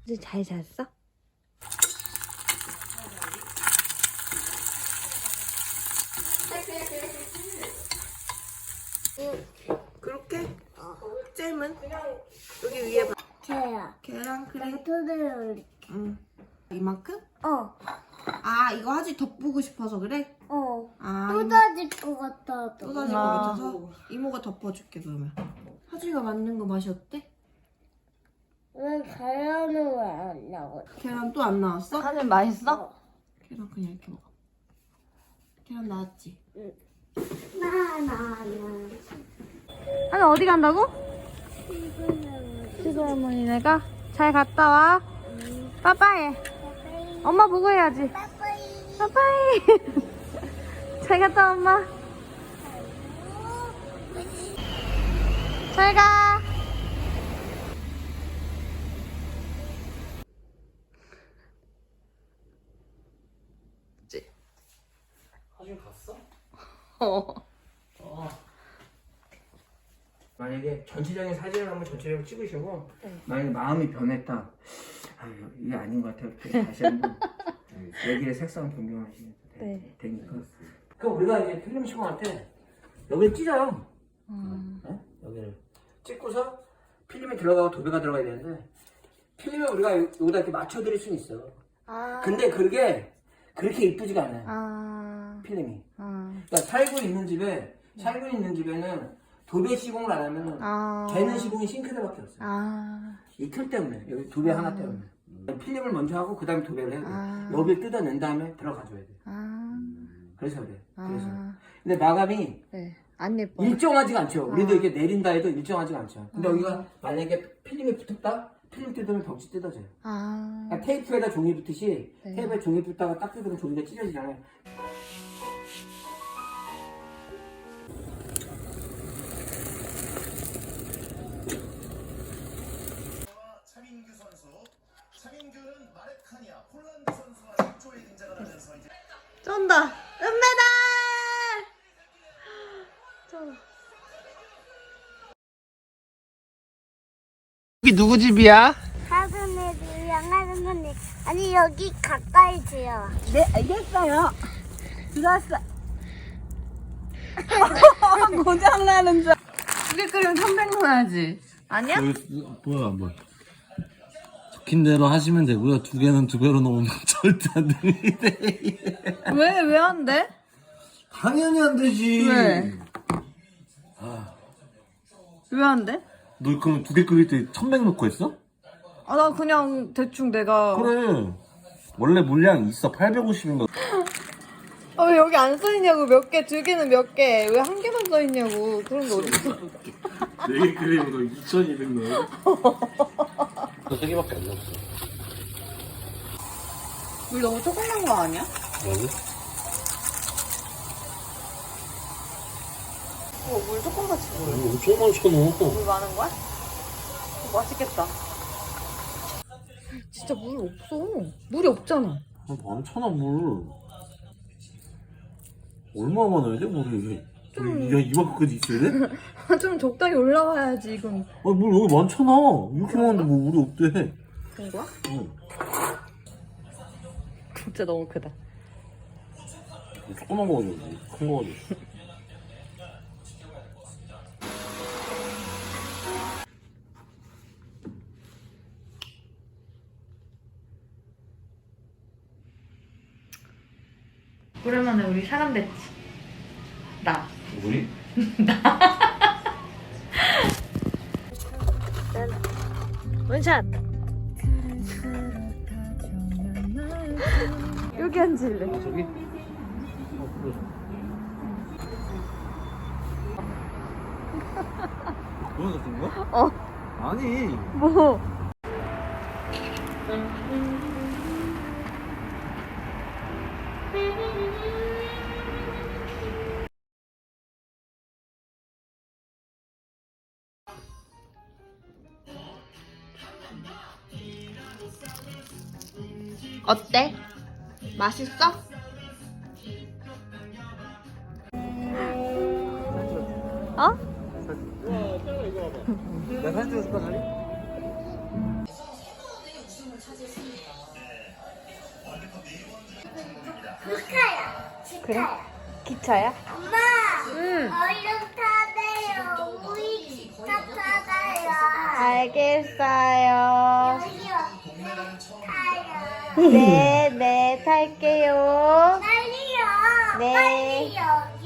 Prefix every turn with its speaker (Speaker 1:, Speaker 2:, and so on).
Speaker 1: 이제 잘 잤어? 그렇게? 잼은? 여기 위에 계란 그래.
Speaker 2: 토대로.
Speaker 1: 응. 이만큼?
Speaker 2: 어.
Speaker 1: 아 이거 하지 덮고 싶어서 그래? 아
Speaker 2: 쏟아질 것 같아.
Speaker 1: 쏟아질 것 같아서 이모가 덮어줄게 그러면. 하지가 만든 거 맛이 어때?
Speaker 2: 왜 계란을 왜 안 나와?
Speaker 1: 계란 또 안 나왔어?
Speaker 3: 하늘 맛있어?
Speaker 1: 계란 그냥 이렇게 먹어. 계란 나왔지?
Speaker 2: 나나.
Speaker 3: 하늘 어디 간다고? 시골 어머니네가 잘 갔다 와. 빠빠이. 엄마 보고 해야지. 빠빠이. 잘 갔다 와, 엄마. 잘 가.
Speaker 4: 사진 갔어?
Speaker 3: 어.
Speaker 4: 만약에 전체적인 사진을 한번 전체적으로 찍으시고 만약에 마음이 변했다. 아 이게 아닌 것 같아요. 다시 한번 여기에 색상 변경하시면 되니까. 그럼 우리가 이제 필름 시공할 때 여기를 찢어요. 네? 여기를 찍고서 필름이 들어가고 도배가 들어가야 되는데 필름을 우리가 여기다 이렇게 맞춰드릴 수는 있어. 근데 그게 그렇게 이쁘지가 않아요. 필름이. 그러니까 살고 있는 집에는 도배 시공을 안 하면 되는 시공이 싱크대밖에 없어요. 이 틀 때문에 여기 도배 하나 때문에 필름을 먼저 하고 그 다음에 도배를 해야 돼요. 여기를 뜯어낸 다음에 들어가줘야 돼요. 그래서 그래. 그래서. 근데 마감이
Speaker 3: 안 예뻐.
Speaker 4: 일정하지가 않죠. 우리도 이렇게 내린다 해도 일정하지가 않죠. 근데 여기가 만약에 필름이 붙었다? 필름 뜯으면 벽지 뜯어져요. 그러니까 테이프에다 종이 붙듯이 테이프에 종이 붙다가 딱 뜯으면 종이가 찢어지잖아요.
Speaker 5: 차민규 선수. 차민규는 마레카니아 폴란드 선수와 10조에 등장을 하면서 이제
Speaker 3: 쩐다. 은메달.
Speaker 4: 여기 누구 집이야?
Speaker 2: 하선이도 양하선이 아니 여기 가까이 지어.
Speaker 3: 네, 알겠어요. 들어왔어. 고장나는 줄. 두개 끓이면 300 넣어야지. 아니야?
Speaker 6: 뭐야. 적힌 대로 하시면 되고요. 두 개는 두 배로 넣으면 절대 안 됩니다.
Speaker 3: 왜 안 돼?
Speaker 6: 당연히 안 되지.
Speaker 3: 왜? 왜 안 돼?
Speaker 6: 너 그럼 두 개 끓일 때 1100 넣고 했어?
Speaker 3: 아, 나 그냥 대충 내가.
Speaker 6: 그래. 원래 물량 있어. 850인가.
Speaker 3: 아, 왜 여기 안 써있냐고. 몇 개, 두 개는 몇 개. 왜 한 개만 써있냐고. 그런 게 어딨어.
Speaker 6: 4개 끓이면 너 2200 넣어. 너 3개밖에 안 넣었어.
Speaker 3: 물 너무 조금 난 거 아니야?
Speaker 6: 뭐지?
Speaker 3: 물 조금 같이 물.
Speaker 6: 엄청 많잖아.
Speaker 3: 물 많은 거야? 맛있겠다. 진짜 물 없어. 물이 없잖아.
Speaker 6: 많잖아, 물. 얼마 많아야 돼, 물이? 야, 이만큼까지 있어야 돼?
Speaker 3: 좀 적당히 올라와야지, 이건.
Speaker 6: 아니, 물 여기 많잖아. 이렇게 많은데 뭐 물이 없대.
Speaker 3: 그런 거야?
Speaker 6: 응.
Speaker 3: 진짜 너무 크다.
Speaker 6: 조그만 거 가지고, 큰 거 가지고.
Speaker 3: 오랜만에 우리 사람 됐지. 나.
Speaker 6: 우리?
Speaker 3: 원샷. 여기 앉을래.
Speaker 6: 저기? 그래. 그거 같은 거야?
Speaker 3: 어.
Speaker 6: 아니.
Speaker 3: 뭐? 어때? 맛있어? 어?
Speaker 4: 나 사진 찍었을까, 다리?
Speaker 2: 기차야. 기차야.
Speaker 3: 기차야?
Speaker 2: 엄마.
Speaker 3: 응.
Speaker 2: 얼른 타세요. 우리 기차 타세요.
Speaker 3: 알겠어요.
Speaker 2: 여기요. 타요.
Speaker 3: 네, 네, 탈게요.
Speaker 2: 빨리요.
Speaker 3: 네.
Speaker 2: 빨리요.